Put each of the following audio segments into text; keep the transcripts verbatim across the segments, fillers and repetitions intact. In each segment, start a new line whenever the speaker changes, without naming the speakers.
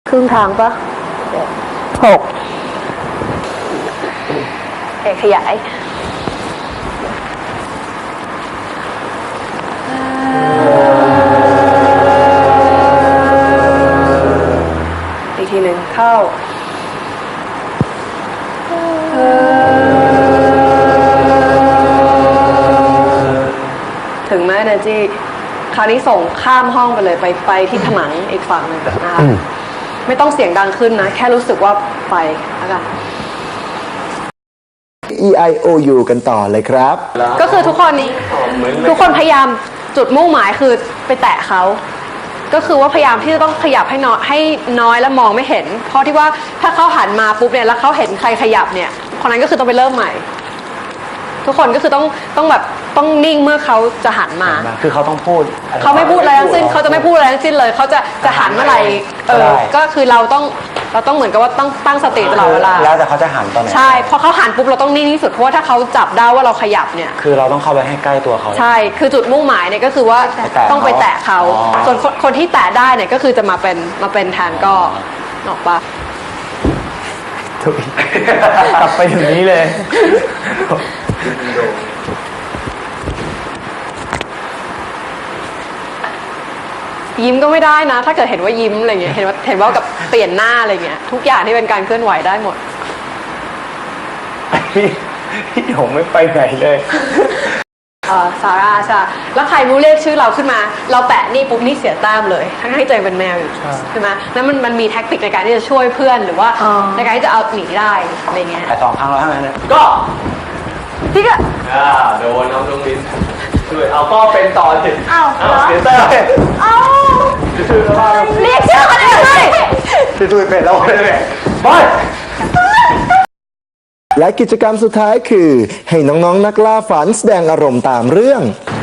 ครึ่งทางปะหกเอกขยายอีกทีหนึ่งเข้าถึงไหมเนจี้คราวนี้ส่งข้ามห้องไปเลยไปไปที่ผนังอีกฝั่งหนึ่งนะคะไม่ต้องเสียงดังขึ้นนะแค่รู้สึกว่าไปแล้วกัน
E I O U กันต่อเลยครับ
ก็คือทุกคนทุกคนพยายามจุดมุ่งหมายคือไปแตะเขาก็คือว่าพยายามที่จะต้องขยับให้น้อยให้น้อยและมองไม่เห็นเพราะที่ว่าถ้าเขาหันมาปุ๊บเนี่ยแล้วเขาเห็นใครขยับเนี่ยคนนั้นก็คือต้องไปเริ่มใหม่ทุกคนก็คือต้องต้องแบบต้องนิ่งเมื่อเขาจะหันมา
คือเขาต้องพูด
เขาไม่พูดอะไรทั้งสิ้นเขาจะไม่พูดอะไรทั้งสิ้นเลยเขาจะจะหันเมื่อไหร่เออก็คือเราต้องเราต้องเหมือนกับว่าต้องตั้งสติตลอดเวลา
แล้วแต่เขาจะหันตอนไหน
ใช่พอเขาหันปุ๊บเราต้องนิ่งที่สุดเพราะว่าถ้าเขาจับได้ว่าเราขยับเนี่ย
คือเราต้องเข้าไปให้ใกล้ตัวเขา
ใช่คือจุดมุ่งหมายเนี่ยก็คือว่าต้องไปแตะเขาส่วนคนที่แตะได้เนี่ยก็คือจะมาเป็นมาเป็นแทนก็ออกปะ
กลับไปถึงนี้เลย
ยิ้มก็ไม่ได้นะถ้าเกิดเห็นว่ายิ้มอะไรเงี้ยเห็นว่าเห็นว่ากับเปลี่ยนหน้าอะไรเงี้ยทุกอย่างที่เป็นการเคลื่อนไหวได้หมด
พี่ผมไม่ไปไหนเลย
เออซาร่าใช่แล้วใครรู้เรียกชื่อเราขึ้นมาเราแปะนี่ปุ๊บนี่เสียแต้มเลยทั้งที่ใจเป็นแมวอยู่ใช่ไหมแล้วมันมันมีแท็กติกในการที่จะช่วยเพื่อนหรือว่าในการที่จะเอาหนีได้อะไรเงี้ย
แต่สองครั้งแล้วทั้งนั้น
ก็พี่ก็
โดนน้องน้องมิ้นช่วยเอาก็เป็นต่อสิ
อ้าว
เสียแต้ม
อ้าวเรียกชื่อกันเองเลย
ช่วยเป็นแล้วเลยไป
และกิจกรรมสุดท้ายคือให้น้องๆ น, นักล่าฝันแสดงอารมณ์ตามเรื่อง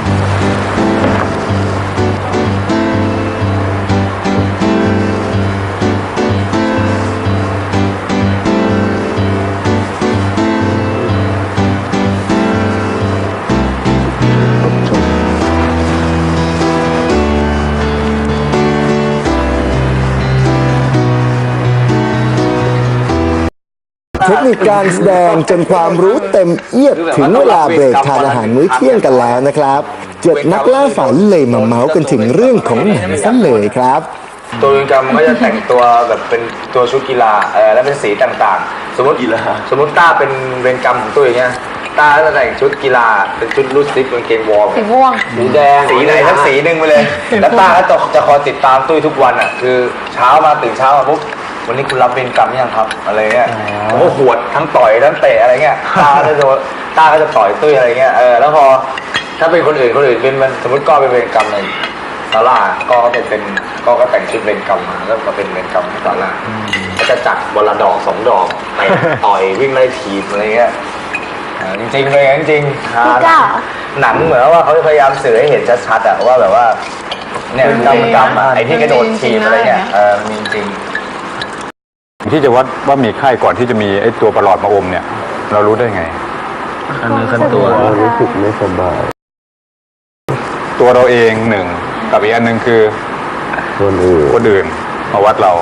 เทคนิคการแสดงจนความรู้เต็มเอียดถึงเวลาเบรกทานอาหารมื้อเที่ยงกันแล้วนะครับเจ็ดนักล่าฝันเลยมาเมาส์กันถึงเรื่องของหนังซะเลยครับ
ตัวเวรกรรมก็จะแต่งตัวแบบเป็นตัวชุดกีฬาเออแล้วเป็นสีต่างๆสมมติกีฬาสมมติต้าเป็นเวรกรรมของตัวอย่างเงี้ยต้าจะแต่งชุดกีฬาเป็นชุดลูซิปเป็นเกงวอร์ม
สีม่วง
สีแดงสีไหนทั้งสีหนึ่งไปเลยแล้วต้าก็จะจะคอยติดตามตุ้ยทุกวันอ่ะคือเช้ามาตื่นเช้ามาปุ๊บวันนี้คุณรับเวรกรรมยังครับอะไรเงี้ยผมก็หวดทั้งต่อยทั้งเตะอะไรเงี้ยตาก็จะตาก็จะต่อยตุ้ยอะไรเงี้ยเออแล้วพอถ้าเป็นคนอื่นคนอื่นเป็นมันสมมติก็เป็นเวรกรรมในซาร่าก็เป็นเป็นก็ก็แต่งชุดเวรกรรมมาแล้วก็เป็นเวรกรรมที่ซาร่าก็จะจัดวันละดอกสองดอกไปต่อยวิ่งไล่ทีมอะไรเงี้ยจริงๆเลยจริงๆหนังเหมือนว่าเขาพยายามสื่อให้เห็นชัดๆอะว่าแบบว่าเนี่ยกรรมกรรมไอ้ที่กระโดดทีมอะไรเงี้ยเออมีจริง
ที่จะวัดว่ามีไข้ก่อนที่จะมีไอ้ตัวประหลอดมาอมเนี่ยเรารู้ได้ไง
อันนึงขั้นตัว
รู้สึกไม่สบาย
ตัวเราเองหนึ่งกับอีกอันหนึ่งคือ
คนอื่น
คนอื่นมาวัดเรา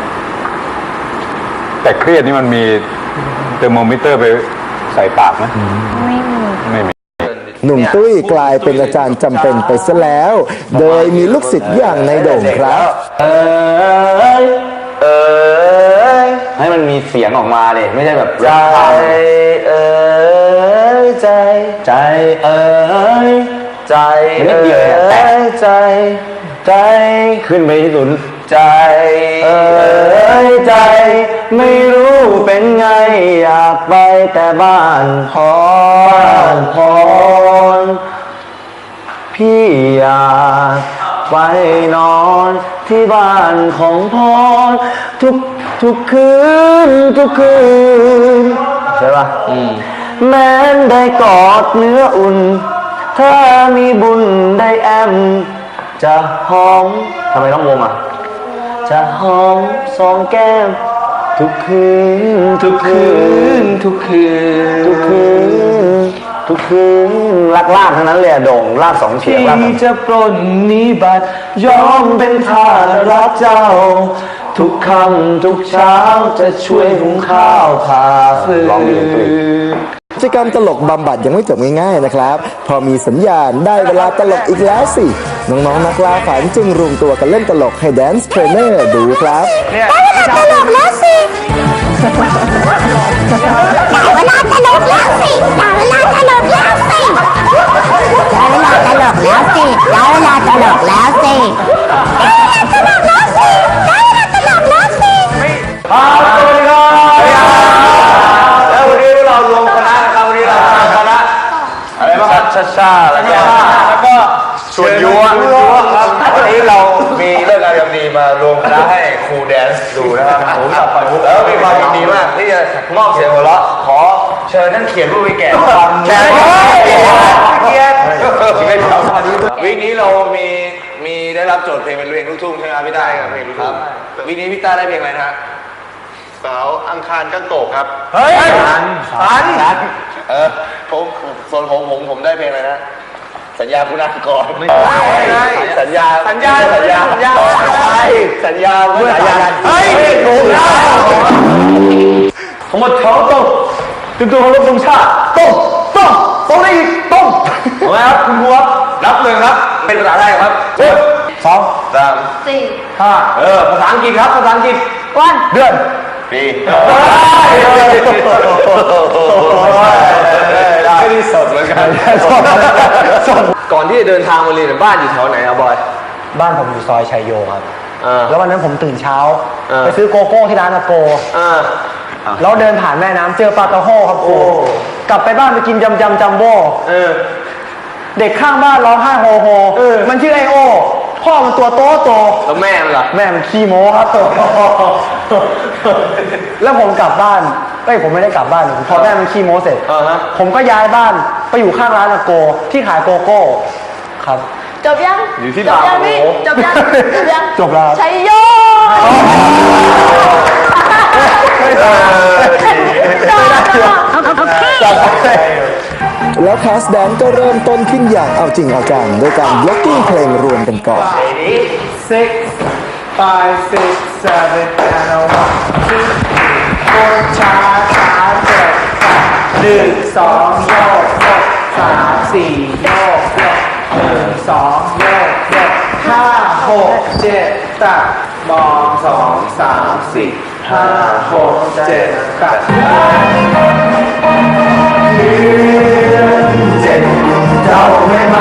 แต่เครียดนี่มันมีเทอร์โมมิเตอร์ไปใส่ปากไหม
ไม่มี
ไม่มี
หนุ่มตุ้ยกลายเป็นอาจารย์จำเป็นไปซะแล้วโดยมีลูกศิษย์อย่างในโด่งครับ
เออเออให้มันมีเสียงออกมาเนี่ยไม่ใช่แบบใจเออใจใจเออใจเออใจใจขึ้นไปที่สุดใจเออใจไม่รู้เป็นไงอยากไปแต่บ้านพรบ้านพรพี่อยากไปนอนที่บ้านของพรทุกทุกคืนทุกคืนใช่ป่ะแม้นได้กอดเนื้ออุ่นถ้ามีบุญได้แอมจะหอมทำไมต้องวงอ่ะจะหอมสองแก้มทุกคืนทุกคืนทุกคืนทุกคืนทุกคืนลากลากทั้งนั้นเลยโด่งลากสองเฉียงลากที่จะปล้นนิบัติยอมเป็นทาสรักเจ้าทุกค่ำทุกเช้าจะช่วยหุงข้าวผ่าฟืน
กิจกรรมตลกบำบัดยังไม่จบง่ายๆนะครับ พอมีสัญญาณได้เวลาตลกอีกแล้วสิ น้องๆนักล่าฝันจึงรวมตัวกันเล่นตลกให้แดนซ์เทรนเนอร์ดูครับ
ได้เวลาตลกแล้วสิได้เวลาตลกแล้วสิได้เวลาตลกแล้วสิได้เวลาตลกแล้วสิได้เวลาตลกแล้วสิได้เวลาตลกแล้วสิได้เวลาตลกแล้วสิ
ครับสวัสดีครับแล้ววันนี้เรารวมคณะนะครับวันนี้เราทำคณะอะไรบ้างครับชาชาแล้วก็แล้วก็ส่วนยัวครับวันนี้เรามีเรื่องงานยามดีมารวมคณะให้ครูแดนซ์ดูนะครับผมกับปล่อยมุกแล้วมีความยินดีมากที่จะมอบเสียงหัวเราะขอเชิญท่านเขียนผู้วิแก่ฟังแก่เกียรติวิกนี้เรามีมีได้รับโจทย์เพลงเป็นเพลงลูกทุ่งใช่ไหมครับพี่ต้าครับเพลงลูกทุ่งวิกนี้พี่ต้าได้เพลงอะไรนะฮะ
สาวอังคารกันโตกครับ
เฮ้ยสันสันเออผมส่วนผมผมผมได้เพลงอะไรนะ สัญญาคุณากรไม่ใช่สัญญาสัญญาสัญญาสัญญาสัญญาเมื่อสัญญาเฮ้ยถูกแล้วผมหมดเขาต้องตึงตัวของรบธงชาติต้องต้องต้องได้อีกต้องเอาไหมครับคุณครูครับรับเลยครับเป็นภาษาไทยครับสองสาม
สี่
ห้าเออภาษาอังกฤษครับภาษาอังกฤษ
วัน
เดือนปีไม่ได้สดเหมือนกันก่อนที่จะเดินทางมาเรียนบ้านอยู่แถวไหนครับบอย
บ้านผมอยู่ซอยชัยโยครับ
อ่า
แล้ววันนั้นผมตื่นเช้า
อ่า
ไปซื้อโกโก้ที่ร้านอาโก
อ่า
แล้วเดินผ่านแม่น้ำเจอปลากระโฮครับครูกลับไปบ้านไปกินยำยำจัมโบ้
เออ
เด็กข้างบ้านร้องไห้โฮโฮมันชื่อไอโอพ่อมันตัวโตโต
แล้วแม่มันล่ะ
แม่มันขี้โม้ครับ แล้วผมกลับบ้านเอ้ยผมไม่ได้กลับบ้านพอแม่มันขี้โม้เสร็จ
อ่าฮะ
ผมก็ย้ายบ้านไปอยู่ข้างร้านอาโกที่ขายโกโก้ครับ
จบยัง
อยู่ที่
จ
บา
บ
ร์
ยัง
โอ้
พี่
โห
จบยังจบยัง
จบแล้ว
ชัยโยจบ
แล้วคลาสแดนก็เริ่มต้นขึ้นอย่างเอาจริงเอาจังโดยการบล็อกกิ้งเพลงรวมกันก่อน
six five six seven and a one two four ช้าช้าเจ็ดหนึ่งสองโยกโยกสามสี่โยกโยกหนึ่งสองโยกโยกห้าหกเจ็ดตัดมองสองสามสี่ห้าหกเจ็ดตัดเจ็ดเจ้าไม่มา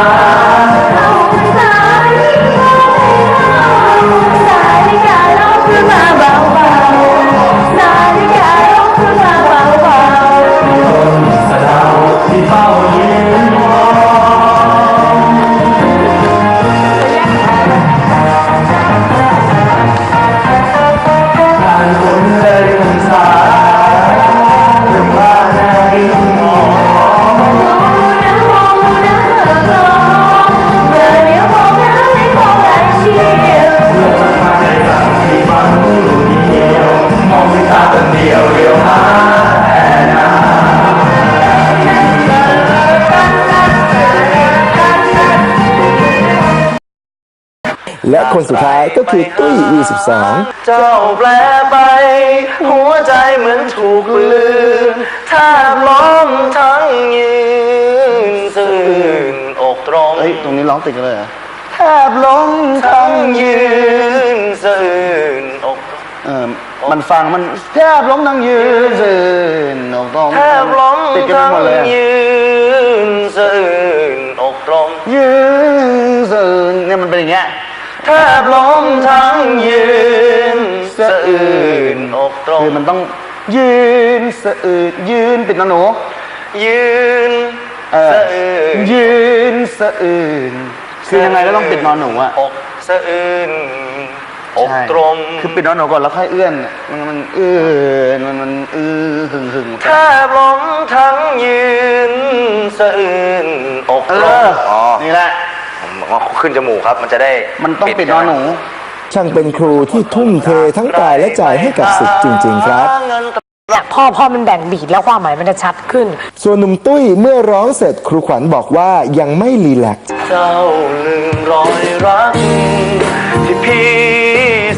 และคนสุดท้ายก็คือตุ้ย วี สิบสอง
เจ้าแปลไป หัวใจเหมือนถูกลืมแทบล้มทั้งยืนซื่นอกตรง
เฮ้ย ตรงนี้ร้องติดกันเลยเหรอ
แทบล้มทั้งยืนซื่นอกตรง
เออ มันฟังมันแทบล้มทั้งยืนสื่นอกตรง
แทบล้ม
ติดกันไป
ทั้ง
หมดเลยอะ
ยืนซื่นอกตรง
ยืนสื่นเนี่ยมันเป็นอย่างเงี้ย
แทบล้มทั้งยืนสะอื่นอกตรง
คือมันต้องยืนสะอืดยืนปิดนะหนู
ยืน
เออ
สะอื่น
ยืนสะอื่นคือยังไงก็ต้องปิดนอนหนูอะ
อกสะอื่นอก
ใช่
ตรง
คือปิดนอนหนูก่อนแล้วค่อยเอื้อนมันมันเอื้อนมันมันอื้อหึงหึง
แทบล้มทั้งยืนสะอื่นอก
เอ
ตรง
อนี่แหละ
ผมบอกว่าขึ้นจมูกครับ มันจะได้
มันต้องปิดนอนหนู
ช่างเป็นครูที่ทุ่มเททั้งกายและใจให้กับศิษย์จริง ๆ ครับ
พอพอมันแบ่งบีทแล้วความหมายมันจะชัดขึ้น
ส่วนหนุ่มตุ้ยเมื่อร้องเสร็จครูขวัญบอกว่ายังไม่รีแลกซ์
เจ้าลืมรอยรักที่พี่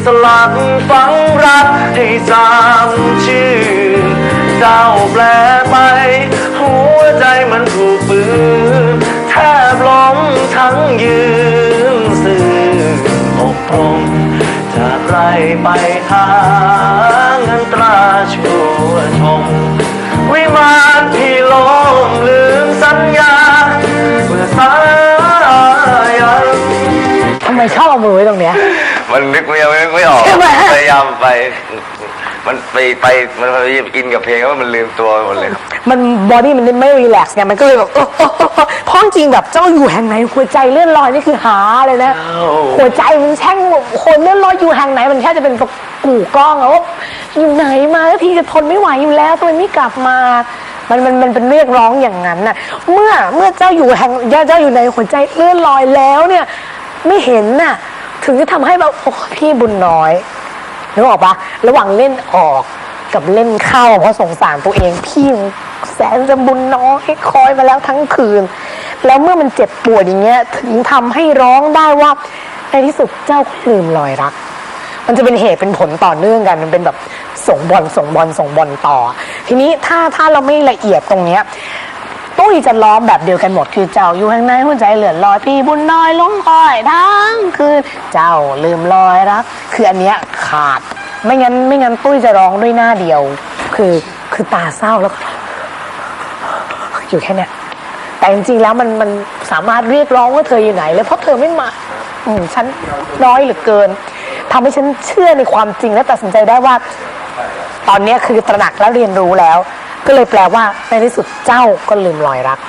สลักฝังรักให้สามชื่อเจ้าแปลไปหัวใจมันถูกปืนแทบล้มทั้งยืนสื่ออกตรงจากไรไปหาเงินตราชั่วชมวิมานพี่ลมลืมสัญญาเมื่อสายัน
ทำไมชอบเอามือไว้ตรงเนี้ย
มันนึกไม่ไม่ไม่ออก
ใช่ไหม
พยายามไป มันไปไปมันพยายามอินกับเพลงแล้วมันลืมตัวหมดเลย
มันบอดี้มันไม่รีแลกซ์ไงมันก็เลยแบบเออเออเออเออเพราะจริงๆแบบเจ้าอยู่แห่งไหนหัวใจเลื่อนลอยนี่คือหาเลยนะ หัวใจมันแช่งคนเลื่อนลอยอยู่แห่งไหนมันแค่จะเป็นกู่กล้องอะว่าอยู่ไหนมาแล้วพี่จะทนไม่ไหวอยู่แล้วทำไมไม่กลับมา มันมันมันเป็นเรียกร้องอย่างนั้นน่ะเมื่อเมื่อเจ้าอยู่แห่งเจ้าอยู่ในหัวใจเลื่อนลอยแล้วเนี่ยไม่เห็นน่ะถึงจะทำให้แบบโอ้พี่บุญน้อยนึกออกปะระหว่างเล่นออกกับเล่นเข้าเพราะสงสารตัวเองพี่แสนจะบุญน้อยคอยมาแล้วทั้งคืนแล้วเมื่อมันเจ็บปวดอย่างเงี้ยถึงทำให้ร้องได้ว่าในที่สุดเจ้าก็ลืมรอยรักมันจะเป็นเหตุเป็นผลต่อเนื่องกันมันเป็นแบบส่งบอลส่งบอลส่งบอลต่อทีนี้ถ้าถ้าเราไม่ละเอียดตรงเนี้ยตุ้ยจะร้องแบบเดียวกันหมดคือเจ้าอยู่ข้างในหัวใจเหลือลอยพี่บุญน้อยลงคอยทั้งคืนเจ้าลืมรอยรักคืออันเนี้ยขาดไม่งั้นไม่งั้นตุ้ยจะร้องด้วยหน้าเดียวคือคือตาเศร้าแล้วก็อยู่แค่เนี้ยแต่จริงๆแล้วมันมันสามารถเรียกร้องว่าเธออยู่ไหนแล้วเพราะเธอไม่มาอืมฉันน้อยเหลือเกินทำให้ฉันเชื่อในความจริงและตัดสินใจได้ว่าตอนนี้คือตระหนักและเรียนรู้แล้วก็เลยแปลว่าในที่สุดเจ้าก็ลืมรอยรัก